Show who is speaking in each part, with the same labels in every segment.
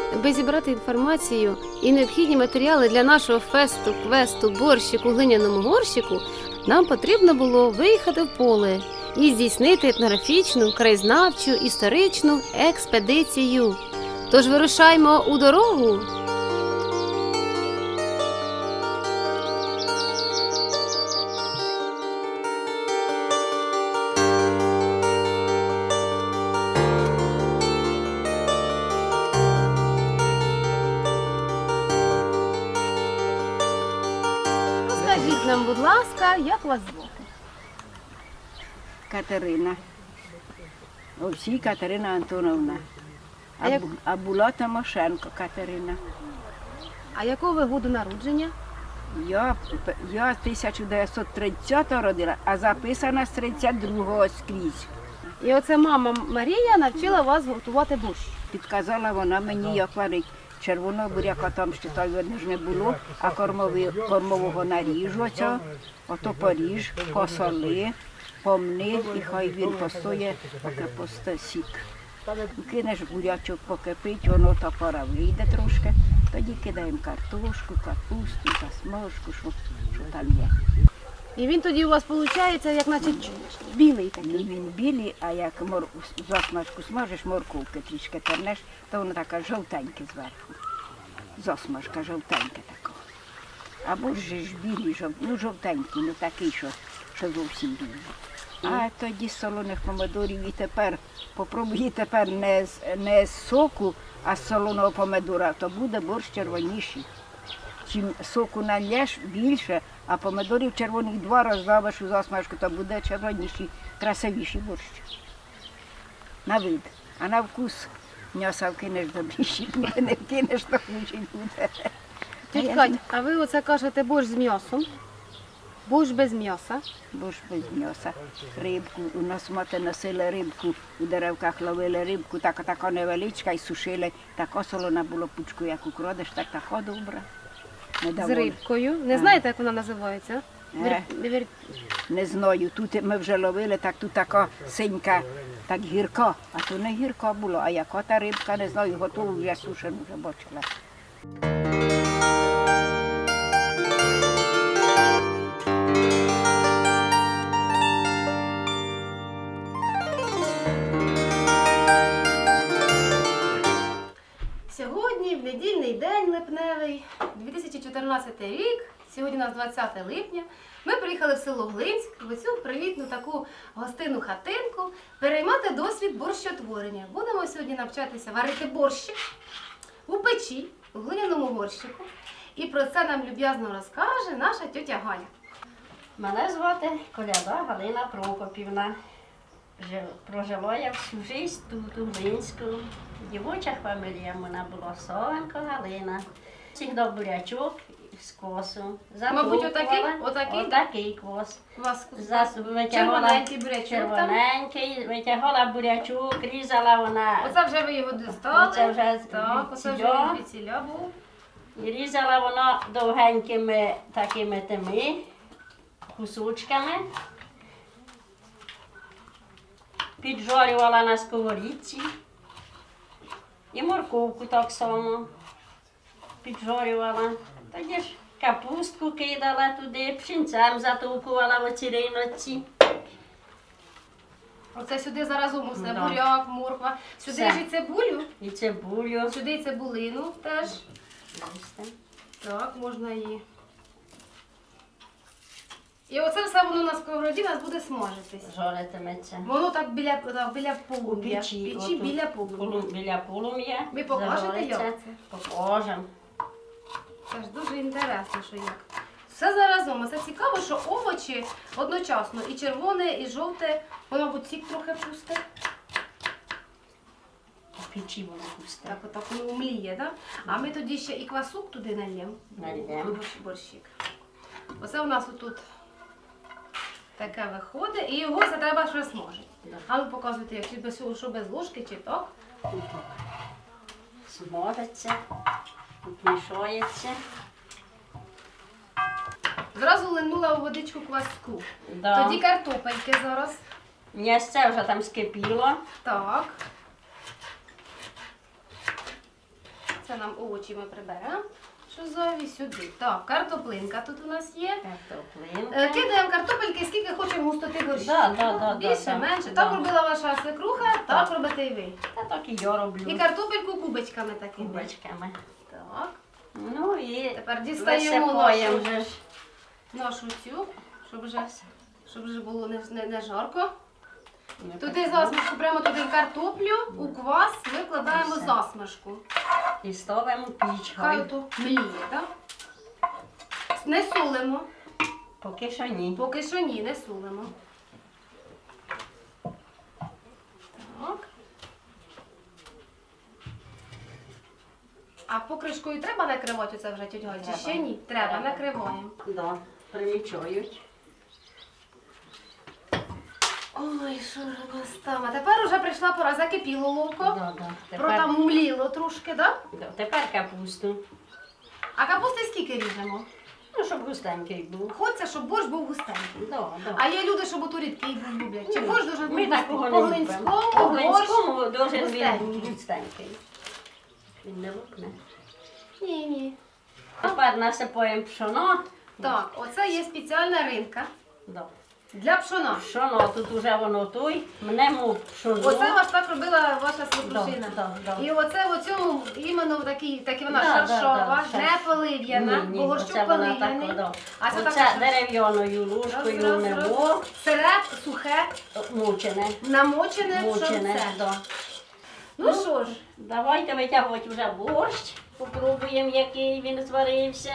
Speaker 1: Аби зібрати інформацію і необхідні матеріали для нашого фесту, квесту, борщику, глиняному горщику, нам потрібно було виїхати в поле і здійснити етнографічну, краєзнавчу, історичну експедицію. Тож вирушаймо у дорогу! Скажіть нам, будь ласка, як вас звати?
Speaker 2: Катерина. Овсій Катерина Антоновна. А була Тимошенко Катерина.
Speaker 1: А якого ви году народження?
Speaker 2: Я 1930-го родила, а записана з 32-го скрізь.
Speaker 1: І оце мама Марія навчила вас готувати борщ.
Speaker 2: Підказала вона мені, як варить. Червоного буряка там ще той видно ж не було, а кормового наріжу оцього, ото поріж, посоли, помни, і хай він постоє, поки посте сік. Кинеш бурячок покипить, воно та пора вийде трошки, тоді кидаємо картошку, капусту, засмажку, що там є.
Speaker 1: І він тоді у вас виходить, як наче білий такий.
Speaker 2: Він білий, а як засмажку смажеш, морковки трішки тернеш, то воно така жовтеньке зверху. Засмажка жовтенька така. Або ж білий, жовтенький, ну такий, що зовсім білий. А тоді з солоних помидорів і тепер, попробуй тепер не з соку, а з солоного помидора, то буде борщ червоніший. Чим соку нальєш більше, а помидорів червоних 2 роздавиш у засмажку, то буде червоніший, красивіший борщ. На вид. А на вкус м'яса вкинеш добріший буде, не вкинеш, то хуже буде.
Speaker 1: Тіть Кать, а ви оце кажете борщ з м'ясом? Борщ без м'яса?
Speaker 2: Борщ без м'яса. Рибку. У нас мати носили рибку, у деревках ловили рибку, така невеличка і сушили. Така солона була пучку, як украдеш, така добра.
Speaker 1: З рибкою. Не знаєте, як вона називається?
Speaker 2: Не знаю. Тут ми вже ловили, так тут така синька, так гірка. А то не гірка була, а яка та рибка, не знаю, готову вже сушену вже бачила.
Speaker 1: Сьогодні, в недільний день липневий, 2014 рік, сьогодні у нас 20 липня, ми приїхали в село Глинськ, в цю привітну таку гостинну хатинку, переймати досвід борщотворення. Будемо сьогодні навчатися варити борщик у печі, у глиняному горщику. І про це нам люб'язно розкаже наша тьотя Галя.
Speaker 3: Мене звати Коляда Галина Прокопівна. Прожила я всю життя тут, у Глинську. Дівоча фамілія в мене була Совенко Галина. Завжди бурячок з косу.
Speaker 1: Мабуть, отакий?
Speaker 3: Отакий кос.
Speaker 1: У вас
Speaker 3: Червоненький
Speaker 1: бурячок
Speaker 3: червоненький, витягала бурячок, різала вона.
Speaker 1: Оце вже ви його дістали.
Speaker 3: Оце вже
Speaker 1: так, оце вже він звідсіля був.
Speaker 3: І різала воно довгенькими такими тими кусочками. Піджарювала на сковорідці. І морковку так само піджарювала. Тоді ж капустку кидала туди, пшінцем затовкувала в оці риночці.
Speaker 1: Оце сюди зараз усе,
Speaker 3: Да.
Speaker 1: буряк, морква. Сюди
Speaker 3: Все.
Speaker 1: ж і цибулю,
Speaker 3: І цибулю.
Speaker 1: сюди і цибулину теж. Так, можна її. І оце все воно на сковороді у нас буде смажитись.
Speaker 3: Жаритиметься.
Speaker 1: Воно так біля полум'я.
Speaker 3: Печі,
Speaker 1: Печі біля полум'я.
Speaker 3: Біля полум'я.
Speaker 1: Ви покажете,
Speaker 3: зажариться.
Speaker 1: як це?
Speaker 3: Покажемо.
Speaker 1: Це ж дуже інтересно, що як. Все заразом. Це цікаво, що овочі одночасно. І червоне, і жовте. Воно, мабуть, сік трохи пусте.
Speaker 3: В печі воно пусте.
Speaker 1: Так, отак воно мліє, так? А ми тоді ще і квасок туди нальємо.
Speaker 3: Нальємо.
Speaker 1: Борщик. Оце у нас отут таке виходить. І його це треба щось смажити.
Speaker 3: Да.
Speaker 1: А ви показуєте, як що без ложки чи так?
Speaker 3: Смажиться, підмішується.
Speaker 1: Зразу линула у водичку кваску.
Speaker 3: Да.
Speaker 1: Тоді картопельки зараз.
Speaker 3: М'ясце вже там скипіло.
Speaker 1: Так. Це нам овочі ми приберемо. Що зайві сюди. Так, картоплинка тут у нас є.
Speaker 3: Картоплинка.
Speaker 1: Кидаємо картопельки, скільки хочемо густоти борщу.
Speaker 3: Да,
Speaker 1: Більше,
Speaker 3: да,
Speaker 1: менше.
Speaker 3: да.
Speaker 1: Так робила ваша свекруха, так робите і ви.
Speaker 3: Та так і я роблю.
Speaker 1: І картопельку кубочками такими.
Speaker 3: Кубочками.
Speaker 1: Так.
Speaker 3: Ну і
Speaker 1: Тепер дістаємо
Speaker 3: висипаємо
Speaker 1: нашу,
Speaker 3: вже ж.
Speaker 1: нашу цю, щоб вже було не жарко.
Speaker 3: Не
Speaker 1: Туди
Speaker 3: так.
Speaker 1: засмажку, прямо туди картоплю, у квас викладаємо
Speaker 3: Все.
Speaker 1: засмажку.
Speaker 3: І ставимо піч.
Speaker 1: Хай ото мліє, так? Не солимо.
Speaker 3: Поки що ні.
Speaker 1: Поки що ні, не солимо. Так. А покришкою треба накривати оце вже, тьоть Галь, чи
Speaker 3: Треба.
Speaker 1: ще ні? Треба,
Speaker 3: Треба.
Speaker 1: накриваємо.
Speaker 3: Да, примічають.
Speaker 1: Ой, що ж у нас там? А тепер вже прийшла пора, закипіло ловко.
Speaker 3: Да.
Speaker 1: Протамліло трошки, так? Да?
Speaker 3: Тепер капусту.
Speaker 1: А капусти скільки ріжемо?
Speaker 3: Ну, щоб густенький був.
Speaker 1: Хочеться, щоб борщ був густенький.
Speaker 3: Да.
Speaker 1: А є люди, що ото рідкий був люблять. Чи
Speaker 3: Ні.
Speaker 1: борщ дуже
Speaker 3: Ми такого не
Speaker 1: по-глинському,
Speaker 3: любимо. По-глинському
Speaker 1: борщ
Speaker 3: дуже
Speaker 1: густенький.
Speaker 3: він густенький. Він не лопне.
Speaker 1: Ні.
Speaker 3: Тепер насипаємо пшоно.
Speaker 1: Так, оце є спеціальна ринка
Speaker 3: Да.
Speaker 1: для пшона.
Speaker 3: Пшоно, тут уже воно той, мнемо пшоно.
Speaker 1: Оце вас так робила ваша свекрушина.
Speaker 3: Да.
Speaker 1: І оце в цьому іменно в такій вона
Speaker 3: Да,
Speaker 1: шаршова,
Speaker 3: да,
Speaker 1: не полив'яна, бо горщук
Speaker 3: оце вона
Speaker 1: полив'яний.
Speaker 3: так, да.
Speaker 1: А це
Speaker 3: Оце
Speaker 1: так
Speaker 3: дерев'яною ложкою мнемо,
Speaker 1: сире, сухе,
Speaker 3: мучене.
Speaker 1: намочене
Speaker 3: Мучене,
Speaker 1: пшонце.
Speaker 3: да.
Speaker 1: Ну що ж,
Speaker 3: Давайте витягувати вже борщ. Попробуємо, який він зварився.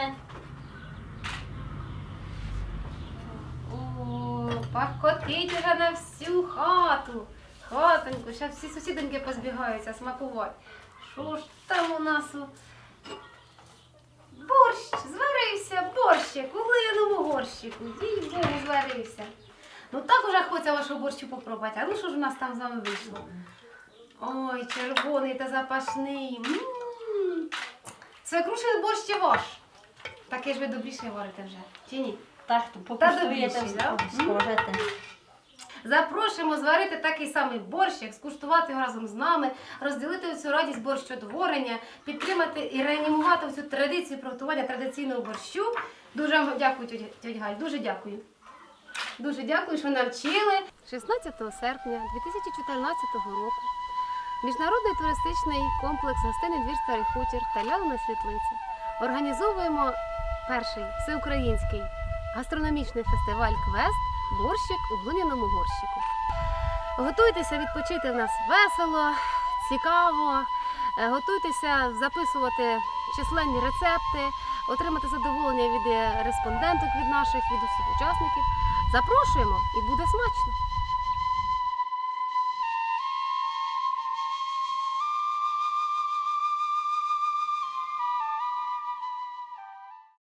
Speaker 1: о, пахкотить уже на всю хату. Хатоньку, зараз всі сусідоньки позбігаються смакувати. Що ж там у нас? Борщ, зварився, борщик, у глиняному горщику. Їй Богу, зварився. Ну так уже хочеться вашого борщу попробувати. А ну що ж у нас там з вами вийшло? Ой, червоний та запашний. Свекрушин борщ чи ваш? Такий ж ви добріше варите вже, чи ні?
Speaker 3: Так, покуштуєте,
Speaker 1: добріший, да?
Speaker 3: скажете.
Speaker 1: Запрошуємо зварити такий самий борщик, скуштувати його разом з нами, розділити цю радість борщотворення, підтримати і реанімувати цю традицію приготування традиційного борщу. Дуже вам дякую, тьоть Галь, дуже дякую. Дуже дякую, що навчили. 16 серпня 2014 року Міжнародний туристичний комплекс «Гостинний двір Старий Хутір» та Лялина Світлиця організовуємо перший всеукраїнський гастрономічний фестиваль «Квест. Борщик у глиняному горщику». Готуйтеся відпочити в нас весело, цікаво, готуйтеся записувати численні рецепти, отримати задоволення від респонденток від наших, від усіх учасників. Запрошуємо і буде смачно!